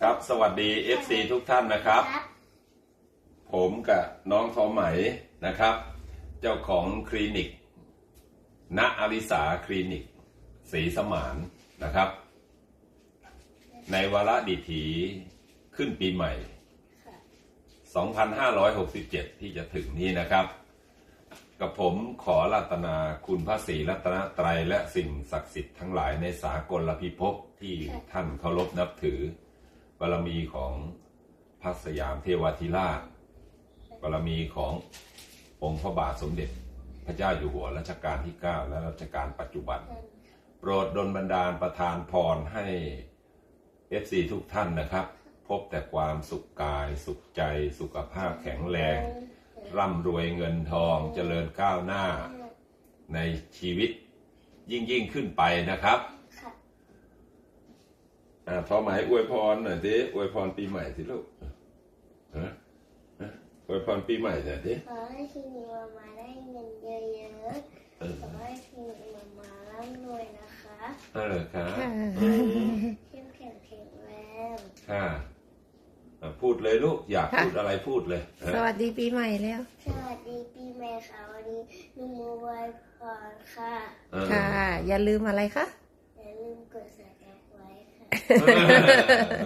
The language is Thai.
ครับสวัสดี FC ทุกท่านนะครับ ผมกับน้องทอมไหมนะครับเจ้าของคลินิกณอริสาคลินิกศรีสมานนะครับในวาระดิถีขึ้นปีใหม่ 2567 ที่จะถึงนี้นะครับกับผมขอรัตนาคุณพระศรีรัตนตรัยและสิ่งศักดิ์สิทธิ์ทั้งหลายในสากลพิภพที่ท่านเคารพนับถือบารมีของพระสยามเทวาธิราชบารมีขององค์พระบาทสมเด็จพระเจ้าอยู่หัวรัชกาลที่ 9 และรัชกาลปัจจุบันโปรดดลบันดาลประทานพรให้ FC ทุกท่านนะครับพบแต่ความสุขกายสุขใจสุขภาพแข็งแรงร่ำรวยเงินทองเจริญก้าวหน้าในชีวิตยิ่งขึ้นไปนะครับพอหมายอวยพรหน่อยสิอวยพรปีใหม่สิลูกอวยพรปีใหม่หน่อยสิขอให้ทีนี้มาได้เงินเยอะๆขอให้ทีนี้มาร่ำรวยนะคะค่ะเข้มแข็งแข็งแรงค่ะพูดเลยลูกอยากพูดอะไรพูดเลยสวัสดีปีใหม่แล้วสวัสดีปีใหม่ค่ะวันนี้ลุงโมบายพรค่ะค่ะอย่าลืมอะไรคะอย่าลืมกด subscribe ไว้ค่ะ